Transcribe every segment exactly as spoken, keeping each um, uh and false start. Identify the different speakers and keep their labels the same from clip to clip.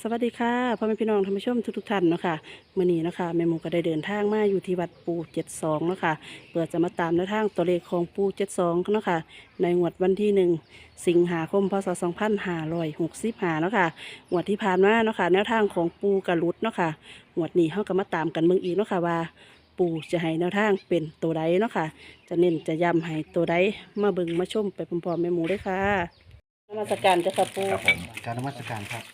Speaker 1: วัสดีค่ะพ่อแม่พี่น้องท่านผู้ชมทุกๆท่านเนาะค่ะมื้อนี้เนาะค่ะแม่หมูก็ได้เดินทางมาอยู่ที่วัดปูเจ็ดสองเนาะค่ะเพื่อจะมาตามแนวทางตัวเลขของปูเจ็ดสองเนาะค่ะในงวดวันที่หนึ่งสิงหาคมพศสองพันห้าร้อยหกสิบห้าเนาะค่ะงวดที่ผ่านมาเนาะค่ะแนวทางของปูกระลุดเนาะค่ะงวดนี้เฮาก็มาตามกันเบิ่งอีกเนาะค่ะว่า ปูจะให้แนวทางเป็นตัวใดเนาะค่ะจะเน้นจะย้ำให้ตัวใดมาเบิ่งมาชมไปพร้อมๆแม่หมูด้วยค่ะนมัสการเจ้าค่ะปู
Speaker 2: ครับผม
Speaker 3: การนมัสการครับ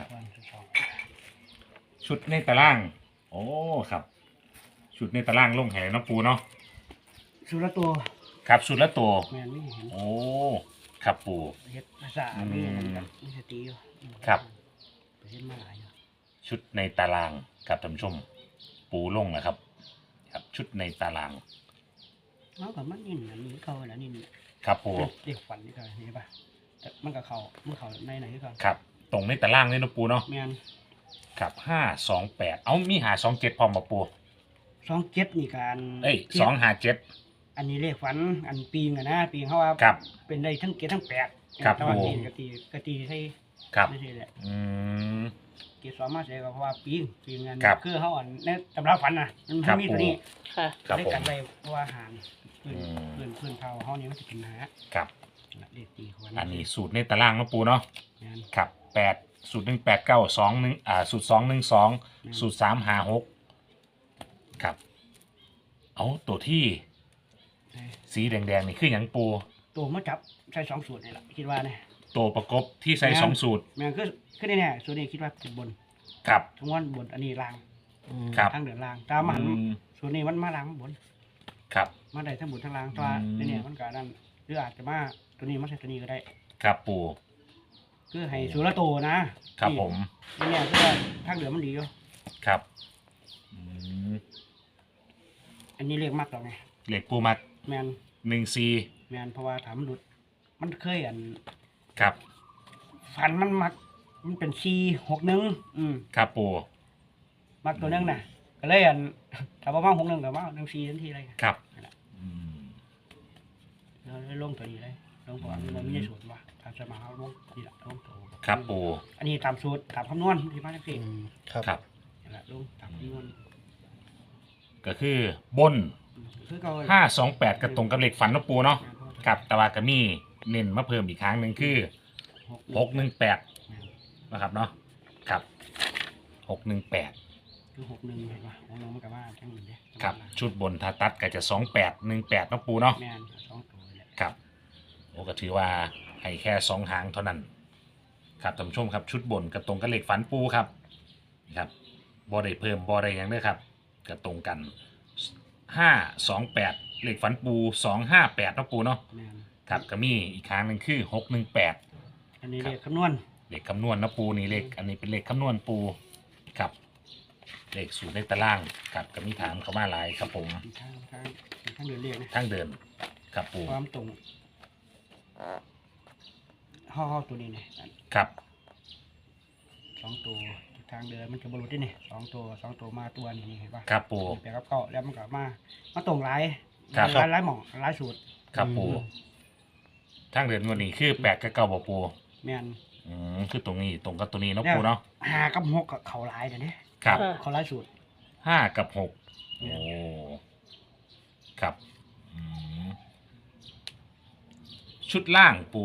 Speaker 2: ชุดในตาราง โอ้ครับ ชุดในตารางลงแห่น้ำปูเนาะ
Speaker 3: สุรตัว
Speaker 2: ครับชุดละตัว
Speaker 3: แมนนี่เห็น
Speaker 2: โอ้ครับปู
Speaker 3: เฮ็ดภาษา
Speaker 2: อืม
Speaker 3: นี่มันมีสติอยู่
Speaker 2: ครับ
Speaker 3: ไปเฮ็ดมาหลายอยู่
Speaker 2: ชุดในตารางครับท่านผู้ชม ปูลงนะครับ ครับชุดในตาราง
Speaker 3: เอากับมันนี่อันนี้เข้าแล้วนี่
Speaker 2: ครับปู
Speaker 3: เด็กฝันนี่ก็เห็นป่ะแต่มันก็เข้ามันเข้าในไหนก็
Speaker 2: ครับ ตรงในตารางเลยนะปูเนาะ
Speaker 3: แมน
Speaker 2: ครับห้าสองแปดเอามีหาสองเจ็ดพร้อมมาปู
Speaker 3: สองเจ็ดนี่การ
Speaker 2: เอ้ยสองหาเจ็ด
Speaker 3: อันนี้เลขฝันอันปีงอะนะปีงเขาว่า
Speaker 2: ครับ
Speaker 3: เป็นได้ทั้งเจ็ดทั้งแปด
Speaker 2: ครับ
Speaker 3: แต่ว่า
Speaker 2: โอ้
Speaker 3: ปีกตีกตีให้
Speaker 2: ครับ
Speaker 3: ไม่ใช่แหละ
Speaker 2: อืม
Speaker 3: เกสรมาเสียก็เพราะว่าปีงปีงอัน
Speaker 2: ครับ
Speaker 3: คือเขาอันในตำราฝันน่ะมัน
Speaker 2: ครับ
Speaker 3: มีตัวนี้
Speaker 1: ค่ะ
Speaker 2: ครับ
Speaker 3: ได้
Speaker 2: ผม
Speaker 3: กันไปเพราะว่าอาหารพื้น
Speaker 2: อืม
Speaker 3: พื้นพื้นเผาห้องนี้มันจะกินหา
Speaker 2: ครับ
Speaker 3: เด็กตีคน
Speaker 2: อันนี้สูตรในตารางนะปูเนาะ
Speaker 3: งาน
Speaker 2: ครับแปดสูตรหนึ่งแปดเก้าสองหนึ่งอ่าสูตรสองหนึ่งสอง
Speaker 3: อืม
Speaker 2: สูตรสามหาหกครับ เอาตัวที่สีแดงๆนี่คืออย่างปู
Speaker 3: ตัวมาจับใช้สองสูตรนี่แหละคิดว่าเนี่ย
Speaker 2: ตัวประกบที่ใช้
Speaker 3: แม่น
Speaker 2: สองสูตร
Speaker 3: แม่งคือคือแน่ๆสูตรนี้คิดว่าเป็นบน
Speaker 2: ครับ
Speaker 3: ทั้งวันบนอันนี้ล่าง
Speaker 2: ครับ
Speaker 3: ทางเดินล่างตามมัน
Speaker 2: อืม
Speaker 3: สูตรนี้มันมาล่างบน
Speaker 2: ครับ
Speaker 3: มาได้ทั้งบนทั้งล่างแตัวา
Speaker 2: อืม
Speaker 3: เนี่ยมันก็นั่นหรืออาจจะมาตัวนี้มาใส่ตัวนี้ก็ได้
Speaker 2: ครับปู
Speaker 3: คือให้สูตรละตัวนะครับ
Speaker 2: ผม
Speaker 3: นี่เนี่ยคือว่าทางเดินมันดีอยู่
Speaker 2: ครับอืม
Speaker 3: อันนี้เรียกมากแล้วไง
Speaker 2: เหล็กปูมัด
Speaker 3: แมน
Speaker 2: หนึ่งซี
Speaker 3: แมนเพราะว่าถามมันหลุดมันเคยอัน
Speaker 2: ครับ
Speaker 3: ฟันมันมักมันเป็นซีหกหนึ่งอืม
Speaker 2: ครับปู
Speaker 3: มักตัวหนึงน่ะก็เลยอันถ้าว่ามาหกหนึ่งก็มาหนึ่งซีทันทีเลย
Speaker 2: ครับ
Speaker 3: นั่นแหละ
Speaker 2: อืม
Speaker 3: แล้วเลยลงตัวนี้เลยลงก่อนมันไม่ได้สูตรว่าตามสมาเขาลงนี่แหละลงตัว
Speaker 2: ครับปู
Speaker 3: อันนี้ตามสูตรตามคำนวณที่มาจากสี่
Speaker 1: ครับ
Speaker 2: ครับ
Speaker 3: นั่นแหละลงตามคำนวณ
Speaker 2: ก็คือบน
Speaker 3: อืมคือเขา
Speaker 2: ห้าสองแปดกระตรงกับเหล็กฝันนะปูเนาะกับตะวากามีเน้นมาเพิ่มอีกครั้งหนึ่งคือหกหนึ่งแปดนะครับเนาะครับหกหนึ่งแปด
Speaker 3: คือหกหนึ่งเห็นป่ะหกหนึ่งมันก็ว่าทั้งหมดเลย
Speaker 2: ครับชุดบนทาตัดก็จะสองแปดหนึ่งแปดนะปูเนาะ
Speaker 3: แม่นสองตัวเลย
Speaker 2: ครับโอ้ก็ถือว่าให้แค่สองหางเท่านั้นครับท่านผู้ชมครับชุดบนกระตรงกับเหล็กฝันปูครับนี่ครับบอได้เพิ่มบอได้หยังด้วยครับกระตรงกันห้าสองแปดเหล็กฝันปูสองห้าแปดนะปูเนาะ
Speaker 3: แม่น
Speaker 2: ครับก็มีอีกครั้งหนึ่งคือหกหนึ่งแปด
Speaker 3: อันนี้เรียกคำนวณ
Speaker 2: เลขคำนวณนะปูนี่เลขอันนี้เป็นเลขคำนวณปูครับเลขสูตรในตารางครับก็มีถามเขามาหลายครับผม
Speaker 3: ทางทางทางเดินเรียกนะ
Speaker 2: ทางเดินครับปู
Speaker 3: ความตรงห่อห่อตัวนี้เนี่ย
Speaker 2: ครับ
Speaker 3: สองตัวทางเดินมันจะบรรลุที่นี่สองตัวสองตัวมาตัวนี้เห็นป่ะ
Speaker 2: ครับปู
Speaker 3: แปลกับเก้าแล้วมันก็มามาตรงหลาย
Speaker 2: ครับ
Speaker 3: หลายหลายหม่องหลายสูตร
Speaker 2: ครับปูทางเดินวันนี้คือแปดกับเก้าบ่ปู
Speaker 3: แม่น
Speaker 2: อืมคือตรงนี้ตรงกับตัวนี้เนาะ
Speaker 3: แล้ว
Speaker 2: ปูเนาะ
Speaker 3: หากับหกกับเขาหลายเดี๋ยวนี้
Speaker 2: ครับ
Speaker 1: ค่ะ
Speaker 3: เขาหลายสูตร
Speaker 2: ห้ากับหก
Speaker 3: เนี่
Speaker 2: โอ้
Speaker 3: ย
Speaker 2: ครับอืมชุดล่างปู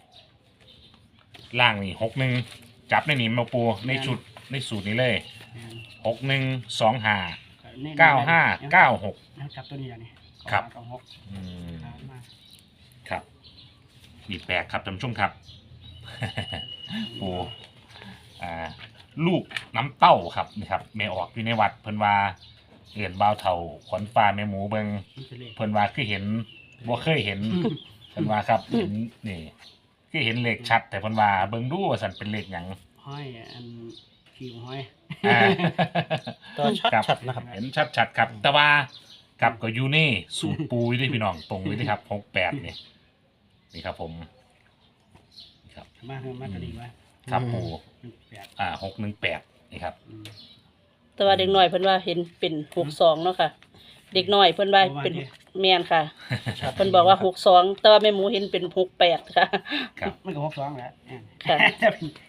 Speaker 2: ล่างนี่หกหนึ่งจับในนี้มาปูในชุดในสูตรนี้เลย
Speaker 3: แม่น
Speaker 2: หกหนึ่งสองห้า
Speaker 3: นี่
Speaker 2: เก้าห้าเก้าหก
Speaker 3: แล้วจับตัวนี้อย่างนี้
Speaker 2: ครับ
Speaker 3: เก้าหก
Speaker 2: อืม
Speaker 3: หามา
Speaker 2: ครับนี่แปลกครับท่านผู้ชมครับ โอ้อ่าลูกน้ำเต้าครับนี่ครับแม่ออกอยู่ในวัดเพิ่นว่าเห็นบ่าวเฒ่าขวัญฟ้าแม่หมูเบิง
Speaker 3: มันจะเลข
Speaker 2: เพิ่นว่าคือเห็นบ่เคยเห็นเพิ่นว่าครับเห็นนี่คือเห็นเลขชัด แต่เพิ่นว่าเบิ่งดูว่าสั่นเป็นเลขหยัง
Speaker 3: ห้อยอันขีมห้อย
Speaker 2: อ่า
Speaker 1: ตัวชัด
Speaker 2: ครับ
Speaker 1: ชัดนะครับ
Speaker 2: เห็นชัดๆครับ แต่ว่ากับก็อยู่นี่สูตรปูอยู่ที่พี่น้องตรงเลยนะครับหกแปดนี่นี่ครับผมนี่ครับ
Speaker 3: มาเถอะมาตัวนี้ไว้
Speaker 2: ครับปู
Speaker 3: หนึ่งแปด
Speaker 2: อ่าหกหนึ่งแปดนี่ครับ
Speaker 3: อืม
Speaker 1: แต่ว่าเด็กน้อยเพิ่นว่าเห็นเป็นหกสองเนาะค่ะ เด็กน้อยเพิ่นว่าเป็นแมนค่ะเพิ่นบอกว่าหกสองแต่ว่าแม่หมูเห็นเป็นหกแปดค่ะ
Speaker 2: ครับ
Speaker 3: มันก็หกสองแหละอ่า
Speaker 1: ค่ะ
Speaker 3: แต่เป็น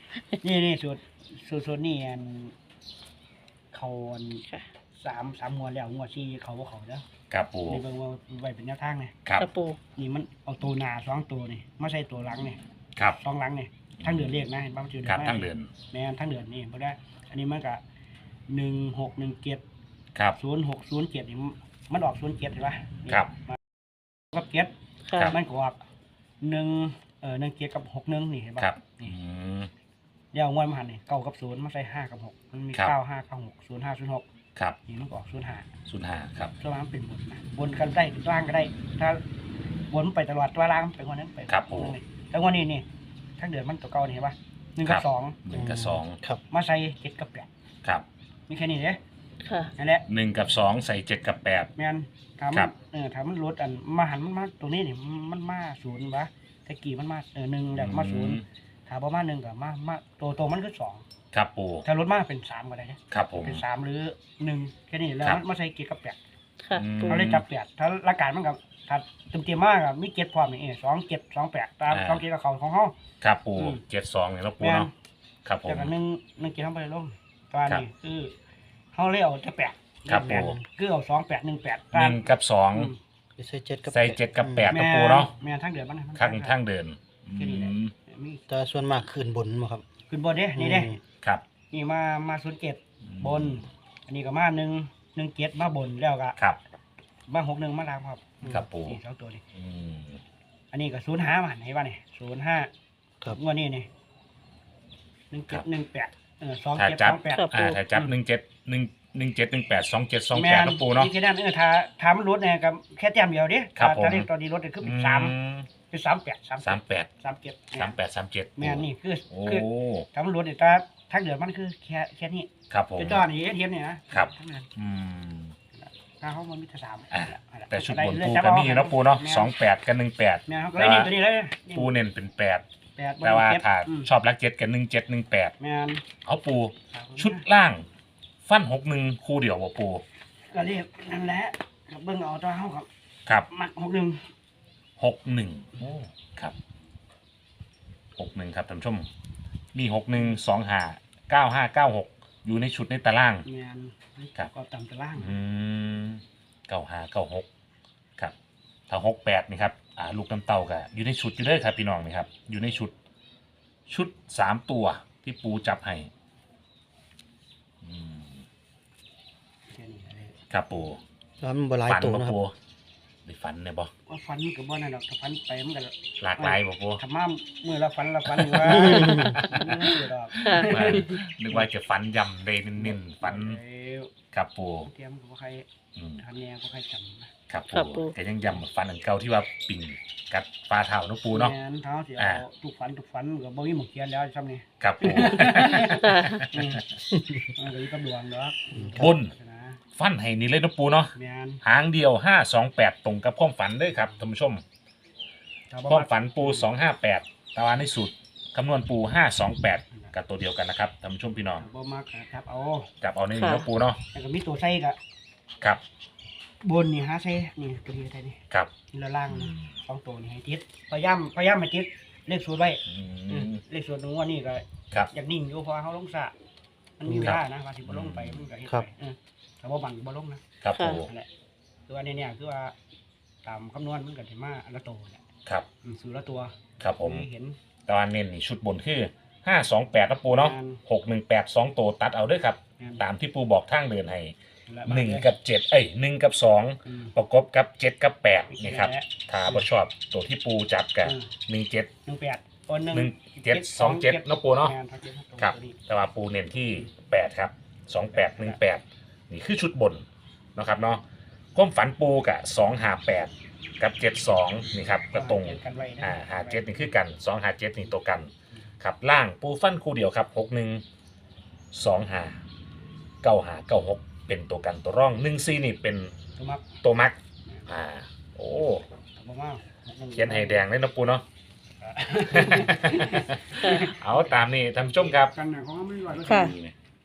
Speaker 3: นี่นี่สูตรสูตรสูตรนี่อันเขาอัน
Speaker 1: ค่ะ
Speaker 3: สามสามงวดแล้วงวดที่เขาบ่เขาเด้อ
Speaker 2: ครับปู
Speaker 3: นี่เบิ่งว่าไว้เป็นแนวทางนี่
Speaker 2: ครับ
Speaker 1: ค่ะปู
Speaker 3: นี่มันเอาตัวหน้าสองตัวนี่มาใส่ตัวหลังนี่
Speaker 2: ครับ
Speaker 3: สองหลังนี่ทั้งเดือนเรียกนะเห็นป่ะมันชื่อ
Speaker 2: ครับ
Speaker 3: มา
Speaker 2: ทั้งเดือน
Speaker 3: แม่นทั้งเดือนนี่บ่ได้อันนี้มันก็หนึ่งหกหนึ่งเจ็ด
Speaker 2: ครับ
Speaker 3: ศูนย์หกศูนย์เจ็ดนี่มันออกศูนย์เจ็ดเห็นป่ะนี่
Speaker 2: ครับ
Speaker 3: มากับเจ็ด
Speaker 1: ค่ะ
Speaker 2: ครับ
Speaker 3: มันก็ออกหนึ่งเอ่อหนึ่งเจ็ดกับหกหนึ่งนี่เห็นป่ะ
Speaker 2: ครับ
Speaker 3: นี่
Speaker 2: อืม
Speaker 3: เดี๋ยวงวดมาหันนี่เก้ากับศูนย์มาใส่ห้ากับหกมันมี
Speaker 2: ครับ
Speaker 3: เก้าห้าเก้าหกศูนย์ห้าศูนย์หก
Speaker 2: ครับ
Speaker 3: นี่มันก็ออกศูนย์ห้า
Speaker 2: ศูนย์ห้าครับ
Speaker 3: ส่วนมากมันเป็นบนนะบนกันได้ล่างก็ได้ ถ้าบนไปตลอดตัวล่างไปคนนั้นไป
Speaker 2: ครับผม
Speaker 3: แล้ววันนี้นี่ทั้งเดือนมันตัวเก่านี่เห็นป่ะหนึ่งกับสอง
Speaker 2: หนึ่งกับสอง
Speaker 4: ครับ
Speaker 3: มาใส่เจ็ดกับแปด
Speaker 2: ครับ
Speaker 3: มีแค่นี้เด้
Speaker 1: ค่ะ
Speaker 3: นั่นแหละ
Speaker 2: หนึ่งกับสองใส่เจ็ดกับแปด
Speaker 3: แม่นถาม
Speaker 2: ครั
Speaker 3: มัน
Speaker 2: บ
Speaker 3: เออถามมันลดอันมาหันมันมาตรงนี้นี่มันมาศูนย์วะแต่กี่มันมาเออหนึ่งแล้วมาศูนย์ถามประมาณหนึ่งกับมามาตัวตัวมันคือสอง
Speaker 2: ครับปู
Speaker 3: ถ้าลดมาเป็นสามก็ได้เด้
Speaker 2: ครับผม
Speaker 3: เป็นสามหรือหนึ่งแค่นี้แล้ว
Speaker 2: ครับ
Speaker 3: มันมาใส่เกียร์กับแปด
Speaker 1: ค่ะ
Speaker 2: อืม
Speaker 1: ปู
Speaker 3: เขาเลยจับแปดถ้าหลักการมันกับถ้าเต็มเต็มๆมากกับมีเกียร์พร้อมนี่เออสองเกียร์สองแปดตาม
Speaker 2: อ่า
Speaker 3: สองเกียร์กับเขาของเขา
Speaker 2: ครับปู
Speaker 3: อืม
Speaker 2: เจ็ดสองเนี่ยแล้วปู
Speaker 3: แม่น
Speaker 2: เนาะครับผม
Speaker 3: จากนั้นหนึ่งหนึ่งเกียร์เข้าไปลงตอน
Speaker 2: ครับ
Speaker 3: นี้คือเขาเรียกเอาจะแปด
Speaker 2: ครับ
Speaker 3: แปด
Speaker 2: ผม
Speaker 3: คือเอาสองแปดหนึ่งแปด
Speaker 2: หนึ่งกับสอง
Speaker 4: ใส่เจ็ดกับ
Speaker 2: ใส่เจ็ดกับแปด
Speaker 3: แม่
Speaker 2: นะปูเนาะ
Speaker 3: แม่ทั้งเดือนมันนะมัน
Speaker 2: ข้างข้างเดิน
Speaker 3: แค่นี้แหละ
Speaker 2: อืม
Speaker 3: มี
Speaker 4: แต่ส่วนมากขึ้นบนบ่ครับ
Speaker 3: ขึ้นบนเด้นี่เด้
Speaker 4: อืม
Speaker 2: ครับ
Speaker 3: นี่มามาศูนย์เจ็ดบน อันนี้ก็มาหนึ่งหนึ่งเจ็ดมาบนแล้วก็
Speaker 2: ครับ
Speaker 3: มาหกหนึ่งมาล่างครับ
Speaker 2: ครับปู่
Speaker 3: นี่สองตัวนี่
Speaker 2: อืม
Speaker 3: อันนี้ก็ศูนย์ห้ามาไหนบ้านี่ศูนย์ห้า
Speaker 4: ครับ
Speaker 3: งวดนี้นี่หนึ่งเจ็ดหนึ่งแปดเออสอง
Speaker 2: ถ้า
Speaker 3: เจ็ด
Speaker 2: จั
Speaker 3: ส
Speaker 2: บ
Speaker 3: องแปด
Speaker 1: ครับ
Speaker 2: อ่าถ้าจับหนึ่งเจ็ดหนึ่งหนึ่งเจ็ดหนึ่งแปดสองเจ็ดสองแปดนะปูเนาะ
Speaker 3: ที่นั่นเออถ้าถ้ามันลดเนี่ยกับแค่แต้มเดียวเด้
Speaker 2: ครับ
Speaker 3: ถ้า
Speaker 2: ผม
Speaker 3: ถ้าเรียกตอนนี้ลดเนี่ยคือเป็นสาม
Speaker 2: อืม
Speaker 3: เป็นสามแปดสาม
Speaker 2: สามแปด
Speaker 3: สามเจ็ด
Speaker 2: สามแปดสามเจ็ด
Speaker 3: แม่นนี่คือ
Speaker 2: โอ้
Speaker 3: คือถ้ามันลดเนี่ยถ้าทั้งเดือนมันคือแค่แค่นี้
Speaker 2: ครับผม
Speaker 3: เป็นจอนี่เทียมเนี่ยนะครับ ทั้งเดือน
Speaker 2: อืม
Speaker 3: ถ้าเขามันมีแต่สาม
Speaker 2: อ่ะ
Speaker 3: นั่นหละ
Speaker 2: แต่ชุดบน
Speaker 3: เรื่อย
Speaker 2: ปู
Speaker 3: ๆจับ
Speaker 2: ก็
Speaker 3: เอา
Speaker 2: มีเนาะปูเนาะ
Speaker 3: แม่
Speaker 2: สองแปดกับหนึ่งแปด
Speaker 3: แม่นเขาก็เลยนี่ตัวนี้เลยนี่
Speaker 2: ปูเน้นเป็นแปด
Speaker 3: แปด
Speaker 2: แต่ว่า
Speaker 3: เจ็ด
Speaker 2: ถ้า
Speaker 3: อืม
Speaker 2: ชอบรักเจ็ดกับหนึ่งเจ็ดหนึ่งแปด
Speaker 3: แม่น
Speaker 2: เอาปูชุดล่าง ฟันหกหนึ่งคู่เดียวบ่ปู
Speaker 3: ก็เรียกนั่นแหละเบิ่งเอาตัวเฮาครับ
Speaker 2: ครับ
Speaker 3: มักหกหนึ่ง
Speaker 2: หกหนึ่งโอ้ครับหกหนึ่งครับท่านผู้ชม มีหกหนึ่งสองห้าเก้าห้าเก้าหกอยู่ในชุดในตาราง
Speaker 3: แม่น
Speaker 2: ครับ
Speaker 3: ก็ตามตาราง
Speaker 2: อืมเก้าห้าเก้าหกครับ ถ้าหกแปดนี่ครับ อ่า ลูกน้ำเต้าก็อยู่ในชุดอยู่เลยครับพี่น้องนี่ครับ อยู่ในชุด ชุดสามตัวที่ปูจับให้อืม
Speaker 3: แค่นี้เลย
Speaker 2: ครับปู
Speaker 4: แล้วมันบ่หลาย
Speaker 2: ฝัน
Speaker 4: ตัว
Speaker 2: บ่
Speaker 4: นะครับ
Speaker 2: ปูได้ฝันเนี่ยบ่
Speaker 3: ว่าฟันก็บ่นั่นดอกถ้าฟันไปมันก็
Speaker 2: หลากหลายบ่ปู
Speaker 3: ถ้ามามื้อละฟันละฟันอยู่ว่ามันบ่เสียดอก
Speaker 1: ค่ะ
Speaker 2: ว่านึกว่าจะฝันยำได้เน้นๆฝัน
Speaker 3: เอ้ย
Speaker 2: ครับปู
Speaker 3: เตรียมก็บ่ใคร
Speaker 2: อืม
Speaker 3: ทันแน่บ่ใครจำนะ
Speaker 2: ครับ
Speaker 1: ครับปู
Speaker 2: ปูแต่ยังย้ำฝันอันเก่าที่ว่าปิ่งกัดปลาเท่าเนาะปูเนาะ
Speaker 3: แม่นเท้าสิ
Speaker 2: อ่า
Speaker 3: เอาทุกฟันทุกฟันก็บ่มีหมกเขียนแล้วซ้ำนี่
Speaker 2: ครับปู
Speaker 3: อืมมันก็อยู่กับดวงเนาะ
Speaker 2: บน
Speaker 3: นะ
Speaker 2: ฟันให้นี่เลยเนาะปูเนาะ
Speaker 3: แม่น
Speaker 2: หางเดียวห้าสองแปดตรงกับความฝันเลยครับท่านผู้ชม
Speaker 3: ถ้าบ่
Speaker 2: ความ
Speaker 3: มัก
Speaker 2: ฝันปูสองห้าแปดตารางในสุดคำนวณปูห้าสองแปดกับตัวเดียวกันนะครับท่านผู้ชมพี่น้อง
Speaker 3: ถ้าบ่มักก็ครับเอา
Speaker 2: จับเอาในนี้
Speaker 1: ค่ะ
Speaker 2: เนาะปูเนาะ
Speaker 3: แล้วก็มีตัวใส่ก็
Speaker 2: ครับ
Speaker 3: บนนี่หาใส่นี่ตัวนี้ใส่นี่
Speaker 2: ครับ
Speaker 3: นี่ละล่างนี่สองตัวนี่ให้ติดพยายามพยายามให้ติดเลขสูตรไว้
Speaker 2: อื
Speaker 3: อืม
Speaker 2: ม
Speaker 3: เลขสูตรหนูว่านี่ก็
Speaker 2: ครับ
Speaker 3: อยากนิ่งอยู่เพราะว่าเขาลงสระมันมีเวลานะว่าสิบ่ลงไปมันก็เฮ็ด
Speaker 4: ครับ
Speaker 3: ไปเออแต่ว่าบังบ่ลงนะครับ
Speaker 2: ปู
Speaker 3: นั่นแหละคือว่าเนี่ยคือว่าตามคำนวณมันก็สิมาอันละตัวแหละ
Speaker 2: ครับ
Speaker 3: อืมสูตรละตัว
Speaker 2: ครับผม
Speaker 3: ให้เห็น
Speaker 2: ตารางเน้นนี่ชุดบนคือห้าสองแปดนะปูเนาะ
Speaker 3: งาน
Speaker 2: หกหนึ่งแปดสองตัวตัดเอาด้วยครับ
Speaker 3: งาน
Speaker 2: ตามที่ปูบอกทางเดินให้
Speaker 3: ละ
Speaker 2: หนึ่ง
Speaker 3: บาท
Speaker 2: กับเจ็ดเอ้ยหนึ่งกับสอง
Speaker 3: อืม
Speaker 2: ประกบกับเจ็ดกับแปดนี่ครับ
Speaker 3: แหละ
Speaker 2: ถ้าบ่ชอบตัวที่ปูจับกับ
Speaker 3: อืม
Speaker 2: หนึ่งเจ็ด
Speaker 3: หนึ่งแปดโอนหนึ่ง
Speaker 2: หนึ่งเจ็ดสองเจ็ดเนาะปูเนาะ
Speaker 3: งานทักเจ็ดทักตรง
Speaker 2: ครับ
Speaker 3: ตัวนี้
Speaker 2: แต่ว่าปูเน้นที่แปดครับสองแปดหนึ่งแปดนี่คือชุดบนนะครับเนาะความฝันปูกับสองหาแปดกับเจ็ดสองนี่ครับกระตรง
Speaker 3: เจ็ดกันไว้นะ
Speaker 2: อ่าหาเจ็ดนี่คือกันสองหาเจ็ดนี่ตัวกันครับล่างปูฟันคู่เดียวครับหกหนึ่งสองหาเก้าหาเก้าหกเป็นตัวกันตัวร่องหนึ่งซีนี่เป็น
Speaker 3: ตัวมัก
Speaker 2: ตัวมักอ่าโอ้
Speaker 3: บ่มา
Speaker 2: เขียนให้แดงเลยนะปูเนาะ เอาตามนี่ท่านผู้ชมครับ
Speaker 3: กันน่ะของมันไม่ร้อยเปอร์
Speaker 1: ค่ะ
Speaker 3: เซ็นต์
Speaker 2: นี่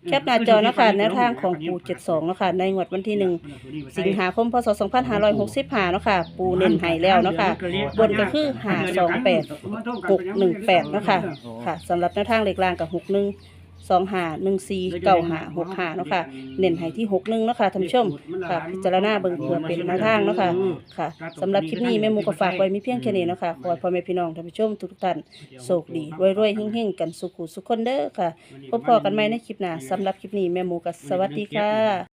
Speaker 1: แคปหน้าจอนะคะแนวทางของปูเจ็ดสองเนาะค่ะในงวดวันที่หนึ่งสิงหาคมพศสองพันห้าร้อยหกสิบห้าเนาะค่ะปูเน้นให้แล้วเนาะค่ะบนก็คือห้าสองแปดหกหนึ่งแปดเนาะค่ะค่ะสำหรับแนวทางเลขล่างกับหกหนึ่งสองหาหนึ่งสี่เก้าหาหกหาเนาะค่ะเน้นให้ที่หกหนึ่งเนาะค่ะท่านผู้ชมค่ะพิจารณาเบิ่งเพื่อเป็นแนวทางเนาะค่ะค่ะสำหรับคลิปนี้แม่หมูก็ฝากไว้มีเพียงแค่นี้เนาะค่ะขอให้พ่อแม่พี่น้องท่านผู้ชมทุกท่านโชคดีรวยๆเฮงๆกันสุขุสุขคนเด้อค่ะพบพอกันใหม่ในคลิปหน้าสำหรับคลิปนี้แม่หมูก็สวัสดีค่ะ